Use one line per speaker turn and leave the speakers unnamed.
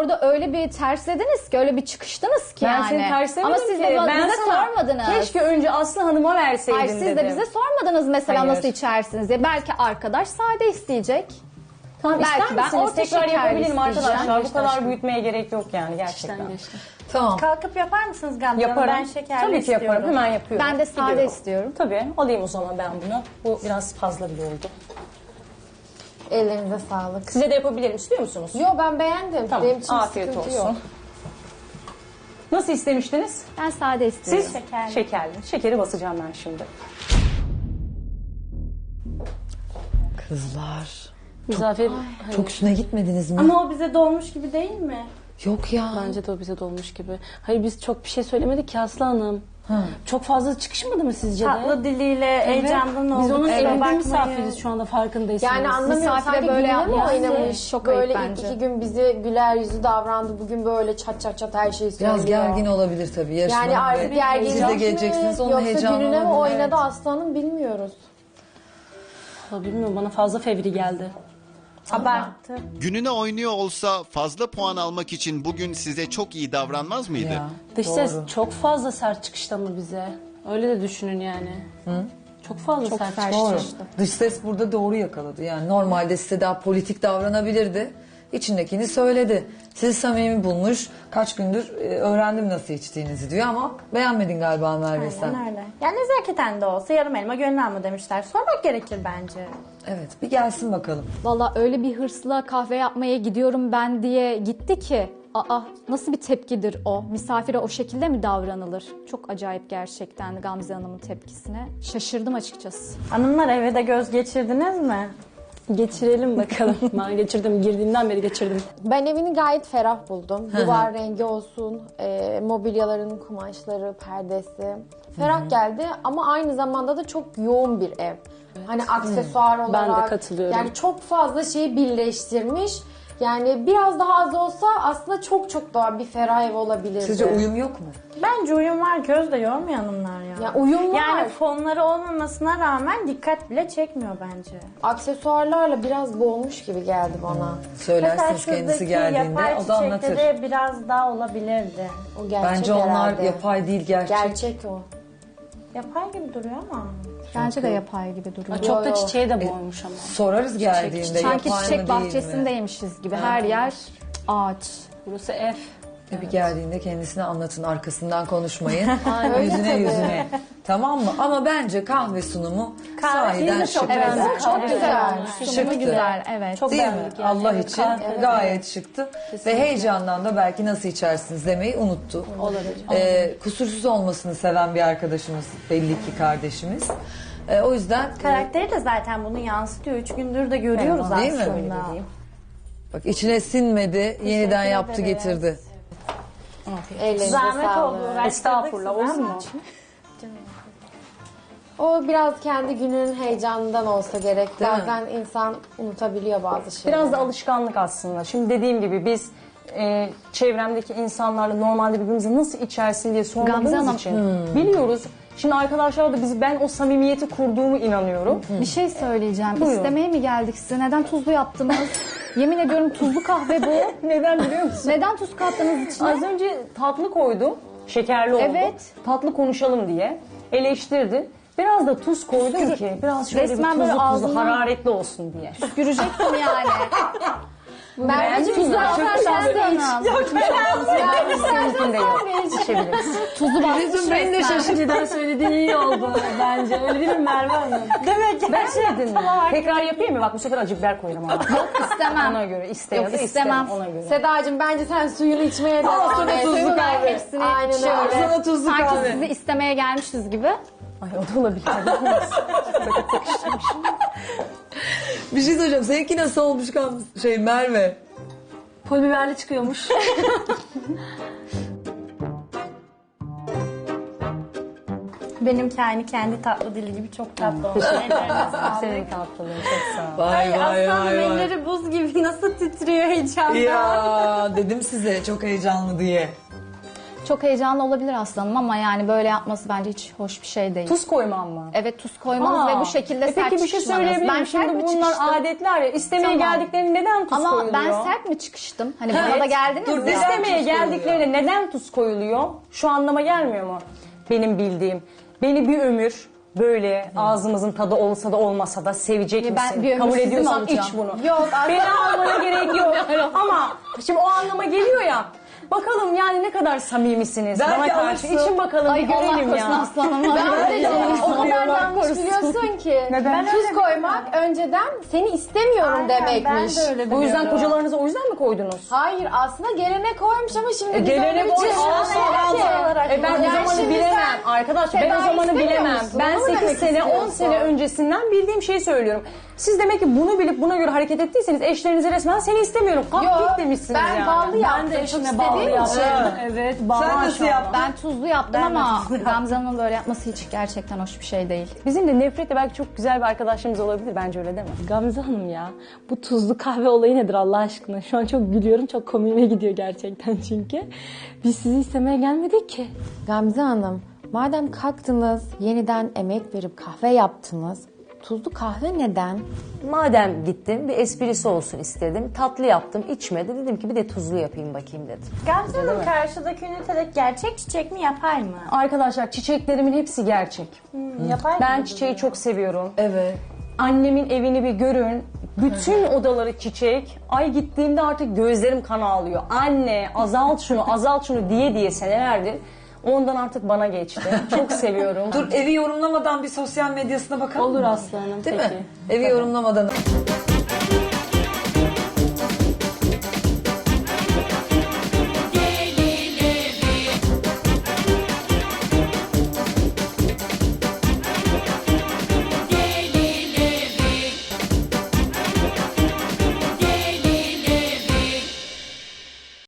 orada öyle bir terslediniz ki, öyle bir çıkıştınız ki
Ben
yani.
seni terslemedim
Ama siz
ki.
de
Ben
bize
sana
sormadınız.
keşke önce Aslı Hanım'a verseydin
Hayır, siz
dedim.
de bize sormadınız mesela
Hayır.
nasıl içersiniz diye. Belki arkadaş sade isteyecek.
Tamam,
Belki
ister
ben
misiniz?
orta
Tekrar
şekerli
yapabilirim arkadaşlar.
isteyeceğim.
Bu kadar büyütmeye gerek yok yani gerçekten.
Tamam.
Kalkıp yapar mısınız Gamze Hanım?
Yaparım.
Ben şekerli
Tabii ki
istiyorum.
yaparım. Hemen yapıyorum.
Ben de sade
Gidiyorum.
istiyorum.
Tabii. Alayım o zaman ben bunu. Bu biraz fazla bile oldu.
Ellerinize sağlık.
Size de yapabilirim. İstiyor musunuz?
Yo, ben beğendim.
Tamam.
Benim için
Afiyet
sıkıntı
olsun.
yok.
Nasıl istemiştiniz?
Ben sade istiyorum.
Siz?
Şekerli.
Şekerli. Şekeri basacağım ben şimdi.
Kızlar.
Misafir
Çok üstüne gitmediniz mi?
Ama o bize dolmuş gibi değil mi?
Yok ya.
bence de o bize dolmuş gibi. Hayır biz çok bir şey söylemedik ki Aslı Hanım. Çok fazla çıkışmadı mı sizce de?
Tatlı diliyle heyecandan olduk.
Biz onun
kusura
evinde
bakmayın.
misafiriz şu anda farkındaysanız.
Yani anlamıyorum,
Misafire
sanki
böyle
böyle mi
yapması
oynamış?
çok
Böyle
ayıp
ilk
bence.
2 gün bize güler yüzü davrandı. Bugün böyle çat çat çat her şeyi söylüyor.
Biraz gergin olabilir tabii. Yaşlı
Yani
Hanım
artık
ve
gergin
siz de geleceksiniz. Onun
yoksa
heyecanı
gününe mi
olabilir,
oynadı
evet.
aslanım bilmiyoruz.
Vallahi bilmiyorum bana fazla fevri geldi.
Abarttı.
Gününe oynuyor olsa fazla puan almak için bugün size çok iyi davranmaz mıydı?
Ya,
Dış
doğru.
ses çok fazla sert çıkışta mı bize? Öyle de düşünün yani. Çok fazla sert
Doğru.
çıkışta.
Dış ses burada doğru yakaladı. Yani normalde size daha politik davranabilirdi. İçindekini söyledi. Sizi samimi bulmuş. Kaç gündür öğrendim nasıl içtiğinizi diyor ama beğenmedin galiba Merve sen.
Aynen öyle. Yani nezaketen de olsa yarım elma gönül alma demişler. Sormak gerekir bence.
Evet, bir gelsin bakalım.
Valla öyle bir hırsla kahve yapmaya gidiyorum ben diye gitti ki. Aa, nasıl bir tepkidir o? Misafire o şekilde mi davranılır? Çok acayip gerçekten Gamze Hanım'ın tepkisine. Şaşırdım açıkçası.
Hanımlar, eve de göz geçirdiniz mi?
Geçirelim bakalım. Ben geçirdim. Girdiğimden beri geçirdim.
Ben evini gayet ferah buldum. Duvar rengi olsun, mobilyaların kumaşları, perdesi. Ferah geldi ama aynı zamanda da çok yoğun bir ev. Hani aksesuar olarak.
Ben de katılıyorum.
Yani çok fazla şeyi birleştirmiş. Yani biraz daha az olsa aslında çok çok daha bir ferah ev olabilirdi.
Sizce uyum yok mu?
Bence uyum var. Göz de yormuyor hanımlar ya.
Ya uyum var.
Yani fonları olmamasına rağmen dikkat bile çekmiyor bence.
Aksesuarlarla biraz boğulmuş gibi geldi bana.
Söylersiniz
Mesela
kendisi
şuradaki
geldiğinde
yapay
o da anlatır.
çiçekleri biraz daha olabilirdi.
O gerçek
Bence onlar
herhalde.
yapay değil gerçek.
Gerçek o.
Yapay gibi duruyor ama.
Bence de yapay gibi duruyor.
Çok da
yo.
çiçeğe de boğmuş ama.
Sorarız geldiğinde
Sanki
yapay mı
çiçek
değil mi?
bahçesindeymişiz gibi. Her yer ağaç.
Burası ev.
Bir geldiğinde kendisine anlatın, arkasından konuşmayın. yüzüne. Tamam mı? Ama bence kahve sunumu sahiden şık.
Evet, çok güzel.
Şıktı.
Sunumu güzel, evet.
Çok
Değil mi?
beğendik yani.
Allah
Evet,
için gayet şıktı. Ve heyecandan da belki nasıl içersiniz demeyi unuttu.
Olabilir.
Kusursuz olmasını seven bir arkadaşımız, belli ki kardeşimiz. O yüzden
Karakteri de zaten bunu yansıtıyor. 3 gündür de görüyoruz
Değil mi?
aslında.
Öyle bak içine sinmedi, yeniden yaptı
ederiz.
getirdi.
Ellerinize
Zahmet
sağlık.
oldu. uğraştırdık
Estağfurullah,
sizi
olur mu?
ama.
O biraz kendi gününün heyecanından olsa gerek.
Değil mi?
Bazen insan unutabiliyor bazı şeyleri.
Biraz da alışkanlık aslında. Şimdi dediğim gibi biz çevremdeki insanlarla normalde birbirimize nasıl içersin diye
Gamze
sormadığımız
Hanım.
için biliyoruz. Şimdi arkadaşlar da ben o samimiyeti kurduğumu inanıyorum.
Bir şey söyleyeceğim.
Buyurun.
İstemeye mi geldik size? Neden tuzlu yaptınız? Yemin ediyorum tuzlu kahve bu.
Neden biliyor musun?
Neden tuz kattınız içine?
Az önce tatlı koydum. Şekerli oldu.
Evet.
Tatlı konuşalım diye. Eleştirdi. Biraz da tuz koydum ki biraz şöyle
Resmen
bir
böyle
tuzlu
ağzına-
hararetli olsun diye.
Görecektim yani.
Merveciğim
Tuzlu atarsan da iç.
Mümkün değil. İçebiliriz.
Tuzu basmış
Beni de
resmen.
Önceden söylediğin iyi oldu bence. Öyle değil mi Merve Hanım?
Demek ki
Ben şey dedim. Tekrar yapayım mı? Bak bu sefer acı biber koyarım ama.
Yok istemem.
Ona göre iste
Yok,
ya da
istemem.
istemem ona göre.
Sedacığım bence sen suyunu içmeye devam
sana
et.
tuzlu
Suyunu ver
kahve.
hepsini. Aynen öyle.
Sana tuzlu
Sanki
kahve.
sizi istemeye gelmişiz gibi.
Ay o da olabilir.
Bir şey söyleyeceğim. Seninki nasıl olmuş Merve?
Pul biberli çıkıyormuş.
benimki aynı kendi tatlı dili gibi çok tatlı olmuş. Ellerine sağlık.
Senin tatlılığın çok sağ ol.
Vay
Aslanım elleri buz gibi nasıl titriyor heyecandan.
Ya dedim size çok heyecanlı diye.
Çok heyecanlı olabilir aslanım ama yani böyle yapması bence hiç hoş bir şey değil.
Tuz koymam mı?
Evet, tuz koymanız ve bu şekilde sert
Peki bir şey
çıkışmanız.
söyleyebilir miyim?
sert
Şimdi
mi
bunlar
çıkıştım?
adetler ya. İstemeye
Tamam.
geldiklerinde neden tuz
Ama
koyuluyor?
ben sert mi çıkıştım? Hani bana da geldiniz
Dur,
ya.
neden
İstemeye
tuz koyuluyor?
geldiklerinde neden tuz koyuluyor? Şu anlama gelmiyor mu? Benim bildiğim. Beni bir ömür böyle ağzımızın tadı olsa da olmasa da sevecek
ben
misin?
bir ömür
Kabul
sizi mi
ediyorsan
alacağım?
iç bunu.
Yok,
Beni almana gerek yok. Ama şimdi o anlama geliyor ya. Bakalım yani ne kadar samimisiniz
Belki
bana karşı.
alırsın.
İçin bakalım
Ay
bir
Allah
görelim
korusun
ya.
aslanım.
O kadar yanlış
korusun.
biliyorsun ki.
Neden?
Tuz koymak önceden seni istemiyorum demekmiş.
Bu yüzden kocalarınızı o yüzden mi koydunuz?
Hayır aslında gelene koymuş ama şimdi biz
Gelene
öyle bir
boy
şey
ben o
Yani
zamanı
şimdi
bilemem.
sen
Arkadaş ben o
tedavi
zamanı
istemiyor
bilemem.
musun?
Ben
Onu mu
8
demek
sene 10
istiyorsun?
sene öncesinden bildiğim şeyi söylüyorum. Siz demek ki bunu bilip buna göre hareket ettiyseniz eşlerinize resmen seni istemiyorum. Kalk git demişsiniz
ben
yani.
ballı yaptım.
Ben de
çok
eşime bağlı
istediğim
yaptım.
için.
Evet, bağlı.
Sen nasıl yaptın?
Ben tuzlu yaptım ama Gamze Hanım'ın böyle yapması hiç gerçekten hoş bir şey değil.
Bizim de nefretle belki çok güzel bir arkadaşlığımız olabilir. Bence öyle değil mi?
Gamze Hanım ya, bu tuzlu kahve olayı nedir Allah aşkına? Şu an çok gülüyorum, çok komiğime gidiyor gerçekten çünkü. Biz sizi istemeye gelmedik ki.
Gamze Hanım, madem kalktınız, yeniden emek verip kahve yaptınız, tuzlu kahve neden?
Madem gittim bir esprisi olsun istedim. Tatlı yaptım içmedi. Dedim ki bir de tuzlu yapayım bakayım dedim.
Gamze Hanım karşıdaki ünitede gerçek çiçek mi yapay mı?
Arkadaşlar çiçeklerimin hepsi gerçek.
Yapay mı?
Ben çiçeği çok seviyorum.
Evet.
Annemin evini bir görün. Bütün odaları çiçek. Ay gittiğimde artık gözlerim kan ağlıyor. Anne azalt şunu azalt şunu diye diye senelerdir. Ondan artık bana geçti. Çok seviyorum.
Dur evi yorumlamadan bir sosyal medyasına bakalım
Olur
mı?
aslanım,
Değil
peki.
mi? Evi yorumlamadan.